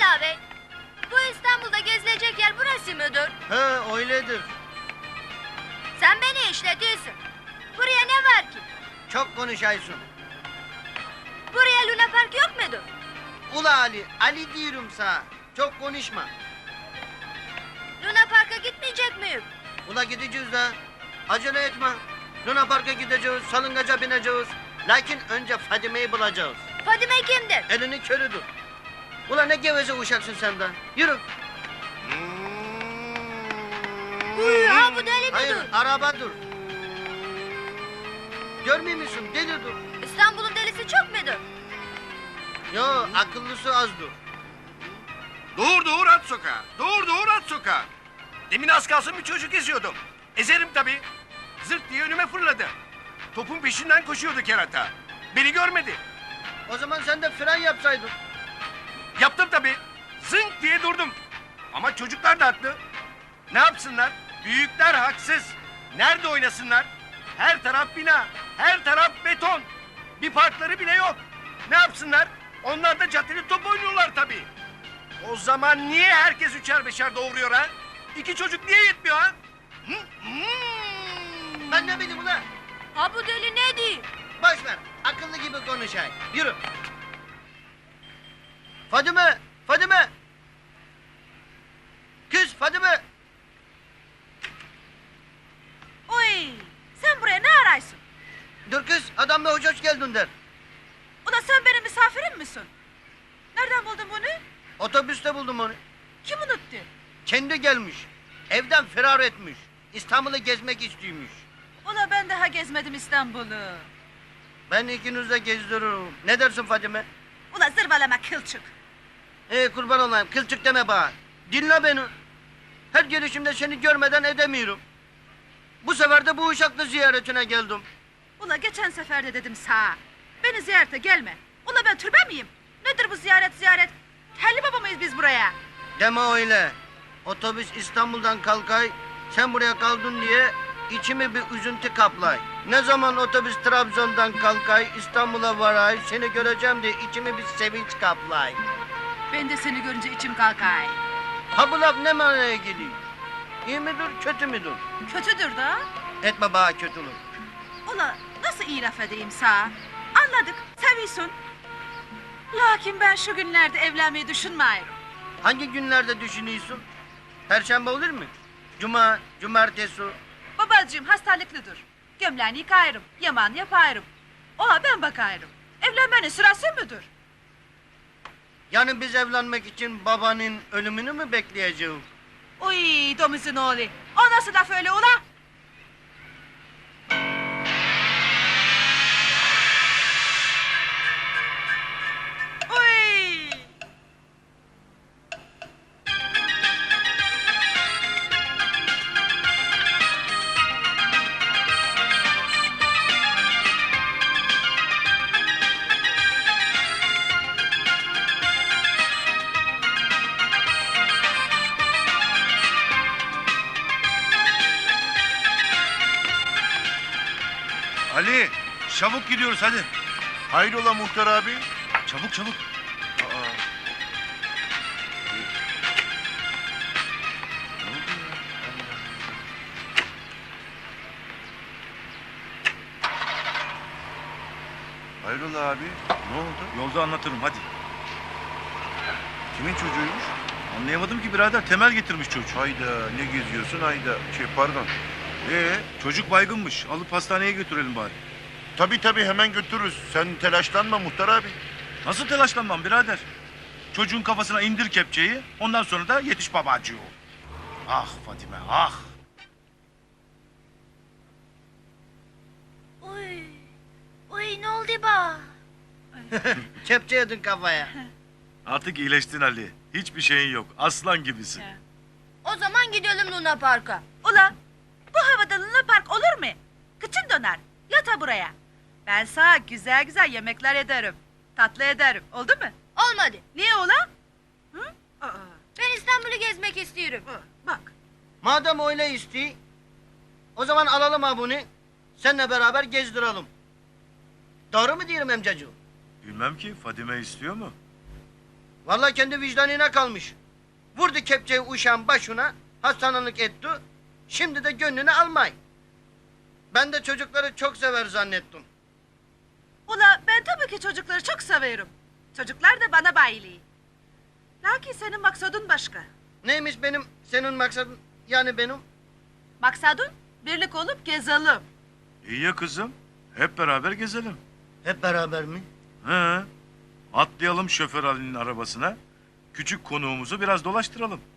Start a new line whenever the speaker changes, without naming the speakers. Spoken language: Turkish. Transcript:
Rıza Bey, bu İstanbul'da gezilecek yer burası mıdır?
He öyledir.
Sen beni işletiyorsun. Buraya ne var ki?
Çok konuşaysın.
Buraya Luna Park yok mudur?
Ula Ali, Ali diyorum sana. Çok konuşma.
Luna Park'a gitmeyecek miyim?
Ula gideceğiz de. Acele etme. Luna Park'a gideceğiz, salıngaca bineceğiz. Lakin önce Fadime'yi bulacağız.
Fadime kimdir?
Elini körüdür. Ula ne geveze uşaksın senden. Yürü.
Ha bu deli
Hayır,
midir?
arabadır. Görmüyor musun? Delidir.
İstanbul'un delisi çok mudur?
Yo, akıllısı azdır.
Doğur at sokağa. Doğur at sokağa. Demin az kalsın bir çocuk eziyordum. Ezerim tabii. Zırt diye önüme fırladı. Topun peşinden koşuyordu kerata. Beni görmedi.
O zaman sen de fren yapsaydın.
Yaptım tabii. Zınk diye durdum. Ama çocuklar da haklı. Ne yapsınlar? Büyükler haksız. Nerede oynasınlar? Her taraf bina, her taraf beton. Bir parkları bile yok. Ne yapsınlar? Onlar da caddede top oynuyorlar tabii. O zaman niye herkes üçer beşer doğuruyor ha? İki çocuk niye yetmiyor ha?
Ben ne bileyim ulan?
Ha bu deli ne diyor?
Boş ver, akıllı gibi konuşay. Yürü. Fadime, Fadime. Kız Fadime.
Oy! Sen buraya ne araysın?
Dur kız, adamla hoş geldin der.
Ula sen benim misafirim misin? Nereden buldun bunu?
Otobüste buldum onu.
Kim unuttu?
Kendi gelmiş. Evden firar etmiş. İstanbul'u gezmek istiyormuş.
Ula ben daha gezmedim İstanbul'u.
Ben ikiniz de gezdiririm. Ne dersin Fadime?
Ula zırvalama kılçık.
Kurban olayım, kılçık deme bana. Dinle beni. Her gelişimde seni görmeden edemiyorum. Bu sefer de bu uşaklı ziyaretine geldim.
Ula geçen sefer de dedim sağa. Beni ziyarete gelme. Ula ben türbe miyim? Nedir bu ziyaret? Telli baba mıyız biz buraya?
Deme öyle. Otobüs İstanbul'dan kalkay, sen buraya kaldın diye içimi bir üzüntü kaplay. Ne zaman otobüs Trabzon'dan kalkay, İstanbul'a varay, seni göreceğim diye içimi bir sevinç kaplay.
Ben de seni görünce içim kalkay.
Ha bu laf ne manaya geliyor? İyi midir, kötü müdür?
Kötüdür da.
Etme bana kötülük.
Ula nasıl iyi laf edeyim sağa? Anladık, seviyorsun. Lakin ben şu günlerde evlenmeyi düşünmüyorum.
Hangi günlerde düşünüyorsun? Perşembe olur mu? Cuma, cumartesi.
Babacığım hastalıklıdır. Gömleğini yıkayırım, yaman yaparım. Oha ben bakarım. Evlenmenin sırası mıdır?
Yani biz evlenmek için babanın ölümünü mü bekleyeceğiz?
Uy domuzun oğlu. O nasıl laf öyle ula? Uy!
Ali, çabuk gidiyoruz hadi.
Hayrola muhtar abi?
Çabuk çabuk.
Hayrola abi? Ne oldu?
Yolda anlatırım hadi.
Kimin çocuğuymuş?
Anlayamadım ki birader, Temel getirmiş çocuğu.
Hayda ne geziyorsun hayda. Pardon.
Çocuk baygınmış, alıp hastaneye götürelim bari.
Tabii hemen götürürüz. Sen telaşlanma muhtar abi.
Nasıl telaşlanmam birader? Çocuğun kafasına indir kepçeyi, ondan sonra da yetiş babacığı. Ah Fatime, ah!
Uy ne oldu ba?
Kepçe yedin kafaya.
Artık iyileştin Ali. Hiçbir şeyin yok, aslan gibisin.
O zaman gidelim Luna Park'a.
Ula bu havada Luna Park olur mu? Kıçın döner. Yata buraya. Ben sana güzel güzel yemekler ederim. Tatlı ederim. Oldu mu?
Olmadı.
Niye ula? Hı? Aa,
Ben İstanbul'u gezmek istiyorum.
bak.
Madem öyle istiyor, o zaman alalım ha bunu. Seninle beraber gezdirelim. Doğru mu diyorum amcacığım?
Bilmem ki, Fadime istiyor mu?
Vallahi kendi vicdanına kalmış. Vurdu kepçeyi uşağın başına, hastanelik etti. Şimdi de gönlünü almay. Ben de çocukları çok sever zannettim.
Ula ben tabii ki çocukları çok severim. Çocuklar da bana bayiliği. Lakin senin maksadın başka.
Neymiş senin maksadın, yani benim?
Maksadın birlik olup gezelim.
İyi ya kızım. Hep beraber gezelim.
Hep beraber mi?
He. Atlayalım şoför Ali'nin arabasına. Küçük konuğumuzu biraz dolaştıralım.